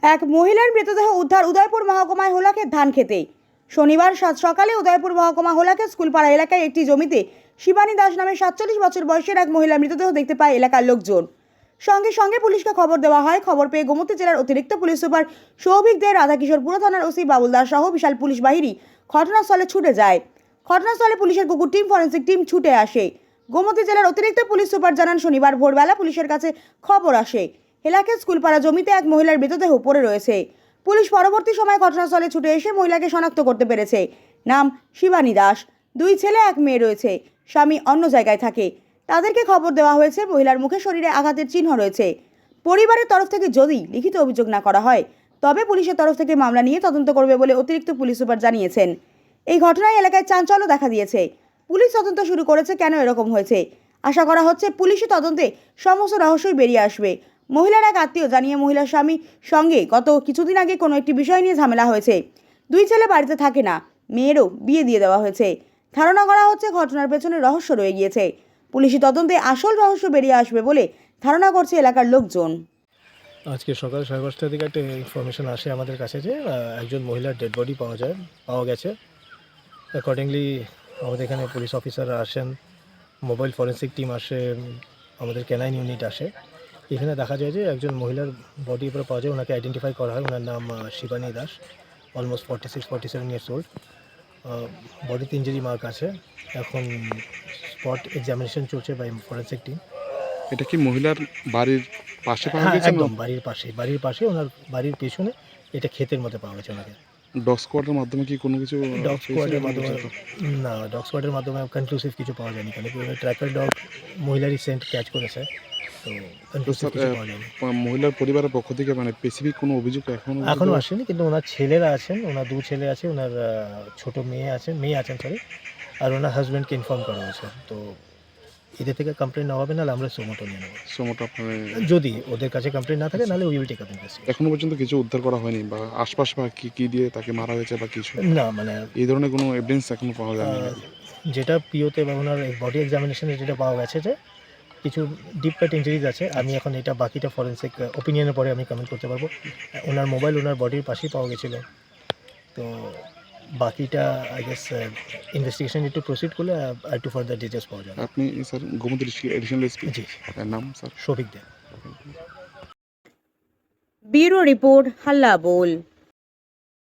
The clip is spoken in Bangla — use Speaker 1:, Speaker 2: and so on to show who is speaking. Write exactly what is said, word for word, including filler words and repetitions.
Speaker 1: এক মহিলার মৃতদেহ উদ্ধার উদয়পুর মহকুমায় হোলাকের ধান খেতে। শনিবার সাত সকালে উদয়পুর মহকুমা হোলাকের স্কুলপাড়া এলাকায় একটি জমিতে শিবানী দাস নামে সাতচল্লিশ বছর বয়সের এক মহিলার মৃতদেহ দেখতে পায় এলাকার লোকজন। সঙ্গে সঙ্গে পুলিশকে খবর দেওয়া হয়। খবর পেয়ে গোমতী জেলার অতিরিক্ত পুলিশ সুপার সৌভিক দে, রাধাকিশোরপুর থানার ওসি বাবুল দাস সহ বিশাল পুলিশ বাহিনী ঘটনাস্থলে ছুটে যায়। ঘটনাস্থলে পুলিশের কুকুর টিম, ফরেন্সিক টিম ছুটে আসে। গোমতী জেলার অতিরিক্ত পুলিশ সুপার জানান, শনিবার ভোরবেলা পুলিশের কাছে খবর আসে এলাকার স্কুলপাড়া জমিতে এক মহিলার মৃতদেহ পড়ে রয়েছে। পুলিশ পরবর্তী সময় ঘটনাস্থলে ছুটে এসে মহিলাকে শনাক্ত করতে পেরেছে। নাম শিবানী দাস, দুই ছেলে এক মেয়ে রয়েছে। স্বামী অন্য জায়গায় থাকে। তাদেরকে খবর দেওয়া হয়েছে। মহিলার মুখে শরীরে আঘাতের চিহ্ন রয়েছে। পরিবারের তরফ থেকে যদি লিখিত অভিযোগ না করা হয় তবে পুলিশের তরফ থেকে মামলা নিয়ে তদন্ত করবে বলে অতিরিক্ত পুলিশ সুপার জানিয়েছেন। এই ঘটনায় এলাকায় চাঞ্চল্য দেখা দিয়েছে। পুলিশ তদন্ত শুরু করেছে কেন এরকম হয়েছে। আশা করা হচ্ছে পুলিশি তদন্তে সমস্ত রহস্যই বেরিয়ে আসবে। মহিলার এক আত্মীয় জানিয়ে, মহিলার স্বামীর সঙ্গে গত কিছুদিন আগে কোনো একটি বিষয় নিয়ে ঝামেলা হয়েছে। দুই ছেলে বাড়িতে থাকে না, মেয়েরও বিয়ে দিয়ে দেওয়া হয়েছে। ধারণা করা হচ্ছে ঘটনার পেছনে রহস্য রয়ে গিয়েছে। পুলিশি তদন্তে আসল রহস্য বেরিয়ে আসবে বলে ধারণা করছে এলাকার লোকজন।
Speaker 2: আজকে সকাল সাড়ে পাঁচটার দিকে একটা ইনফরমেশন আসে আমাদের কাছে যে একজন মহিলার ডেড বডি পাওয়া যায় পাওয়া গেছে। অ্যাকর্ডিংলি আমাদের এখানে পুলিশ অফিসাররা আসেন, মোবাইল ফরেন্সিক টিম আসে, আমাদের ক্যানাইন ইউনিট আসে। এখানে দেখা যায় যে একজন মহিলার বডি উপরে পাওয়া যায়। ওনাকে আইডেন্টিফাই করা হয়। ওনার নাম Shibani Das, almost forty six forty seven years old. বডিতে ইঞ্জুরি মার্ক আছে। এখন স্পট এক্সামিনেশন চলছে বাই ফরেন্সিক টিম।
Speaker 3: এটা কি মহিলার বাড়ির পাশে পাওয়া
Speaker 2: হ্যাঁ,
Speaker 3: গেছে?
Speaker 2: একদম বাড়ির পাশে বাড়ির পাশে ওনার বাড়ির পেছনে এটা ক্ষেতের মধ্যে পাওয়া গেছে ওনাকে।
Speaker 3: ডগ স্কোয়াডের মাধ্যমে কি কোনো কিছু
Speaker 2: ডগ স্কোয়াডের
Speaker 3: পেয়েছে?
Speaker 2: মাধ্যমে না, ডগ স্কোয়াডের মাধ্যমে কনক্লুসিভ কিছু পাওয়া যায়নি, কেন কি ওই ট্র্যাকার ডগ মহিলারই সেন্ট ক্যাচ করেছে, তো
Speaker 3: তো
Speaker 2: কনক্লুসিভ
Speaker 3: স্যার,
Speaker 2: কিছু পাওয়া যায়নি।
Speaker 3: আহ, মহিলার পরিবারের পক্ষ থেকে মানে স্পেসিফিক কোনো অভিযোগ এখনো
Speaker 2: এখনও আসেনি, কিন্তু ওনার ছেলেরা আছেন, ওনার দু ছেলে আছে, ওনার আহ, ছোট মেয়ে আছেন মেয়ে আছেন সরি আর ওনার হাজব্যান্ডকে ইনফর্ম করা হয়েছে। তো এদের থেকে কমপ্লেন না হবে, নাহলে আমরা সোমোটো নিয়ে নেবো।
Speaker 3: সমটা আপনার
Speaker 2: যদি ওদের কাছে কমপ্লেন না থাকে নাহলে we will take up investigation.
Speaker 3: এখনো পর্যন্ত কিছু উদ্ধার করা হয়নি, বা আশপাশ বা কি কি দিয়ে তাকে মারা হয়েছে বা কিছু
Speaker 2: না, মানে
Speaker 3: এই ধরনের কোনো এভিডেন্স এখনো পাওয়া যায়নি?
Speaker 2: আহ, যেটা পিওতে বা ওনার বডি এক্সামিনেশনে যেটা পাওয়া গেছে যে কিছু ডিপ কাট ইঞ্জুরিজ আছে। আমি এখন এটা বাকিটা ফরেন্সিক ওপিনিয়নের পরে আমি কমেন্ট করতে পারবো। ওনার মোবাইল ওনার বডির পাশেই পাওয়া গেছিলো। তো বাকিটা আই গেস ইনভেস্টিগেশন একটু প্রসিড করলে আর একটু ফার্দার ডিটেলস পাওয়া যাবে।
Speaker 3: আপনি স্যার গোমতী এডিশনাল এসপি,
Speaker 2: জি,
Speaker 3: নাম sir?
Speaker 2: Souvik Dey.
Speaker 1: Bureau report, Halla বোল।